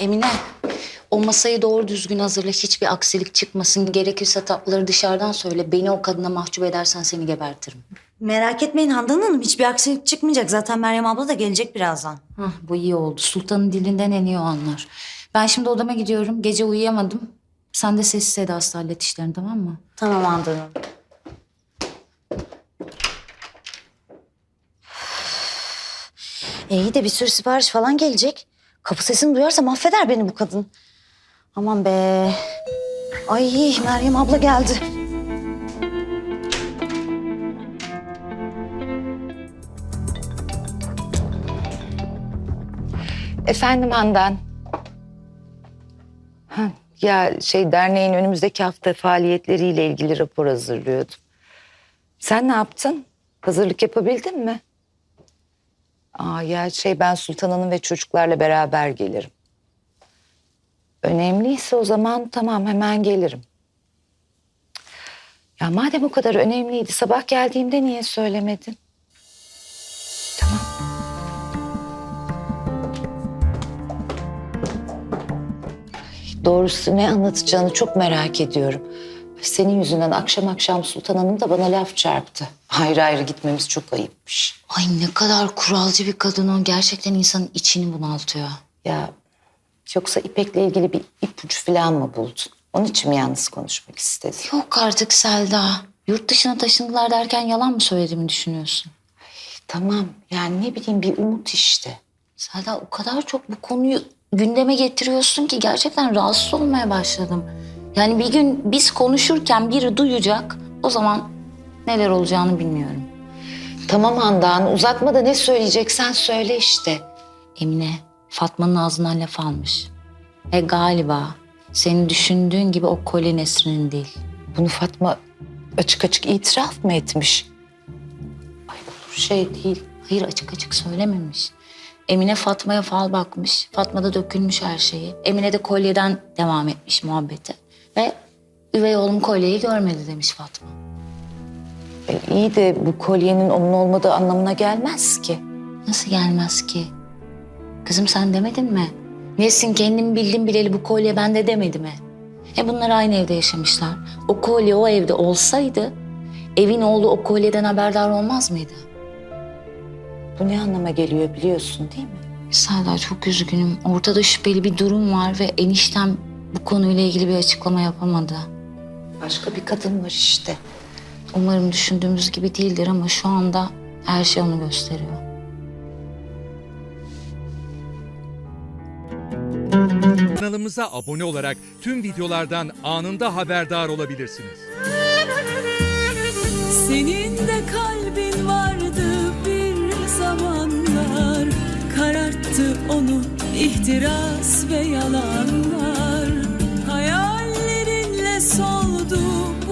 Emine, o masayı doğru düzgün hazırla. Hiçbir aksilik çıkmasın. Gerekirse tatlıları dışarıdan söyle. Beni o kadına mahcup edersen seni gebertirim. Merak etmeyin Handan Hanım, hiçbir aksilik çıkmayacak. Zaten Meryem abla da gelecek birazdan. Hah, bu iyi oldu. Sultanın dilinden en iyi o anlar. Ben şimdi odama gidiyorum. Gece uyuyamadım. Sen de sessiz sedasız hallet işlerini, tamam mı? Tamam Handan Hanım. İyi de bir sürü sipariş falan gelecek. Kapı sesini duyarsa mahveder beni bu kadın. Aman be. Ay Meryem abla geldi. Efendim Handan. Derneğin önümüzdeki hafta faaliyetleriyle ilgili rapor hazırlıyordum. Sen ne yaptın? Hazırlık yapabildin mi? Ben Sultan Hanım ve çocuklarla beraber gelirim. Önemliyse o zaman tamam, hemen gelirim. Ya madem o kadar önemliydi, sabah geldiğimde niye söylemedin? Tamam. Doğrusu ne anlatacağını çok merak ediyorum. Senin yüzünden akşam akşam Sultan Hanım da bana laf çarptı. Ayrı ayrı gitmemiz çok ayıpmış. Ay ne kadar kuralcı bir kadın o. Gerçekten insanın içini bunaltıyor. Ya yoksa İpek'le ilgili bir ipucu falan mı buldun? Onun için mi yalnız konuşmak istedin? Yok artık Selda. Yurt dışına taşındılar derken yalan mı söylediğimi düşünüyorsun? Tamam, yani ne bileyim, bir umut işte. Selda, o kadar çok bu konuyu gündeme getiriyorsun ki gerçekten rahatsız olmaya başladım. Yani bir gün biz konuşurken biri duyacak, o zaman neler olacağını bilmiyorum. Tamam Handan, uzatma da ne söyleyeceksen söyle işte. Emine, Fatma'nın ağzından laf almış. Ve galiba senin düşündüğün gibi o kolye Nesrin'in değil. Bunu Fatma açık açık itiraf mı etmiş? Ay olur şey değil. Hayır, açık açık söylememiş. Emine Fatma'ya fal bakmış. Fatma da dökülmüş her şeyi. Emine de kolyeden devam etmiş muhabbete. Ve üvey oğlum kolyeyi görmedi demiş Fatma. İyi de bu kolyenin onun olmadığı anlamına gelmez ki. Nasıl gelmez ki? Kızım sen demedin mi? Nesin kendim bildim bileli bu kolye bende demedi mi? Bunlar aynı evde yaşamışlar. O kolye o evde olsaydı evin oğlu o kolyeden haberdar olmaz mıydı? Bu ne anlama geliyor biliyorsun değil mi? Selda, çok üzgünüm. Ortada şüpheli bir durum var ve eniştem bu konuyla ilgili bir açıklama yapamadı. Başka bir kadın var işte. Umarım düşündüğümüz gibi değildir ama şu anda her şey onu gösteriyor. Kanalımıza abone olarak tüm videolardan anında haberdar olabilirsiniz. Senin de kalbin vardı bir zamanlar, kararttı onu ihtiras ve yalanlar. Hayallerinle soldu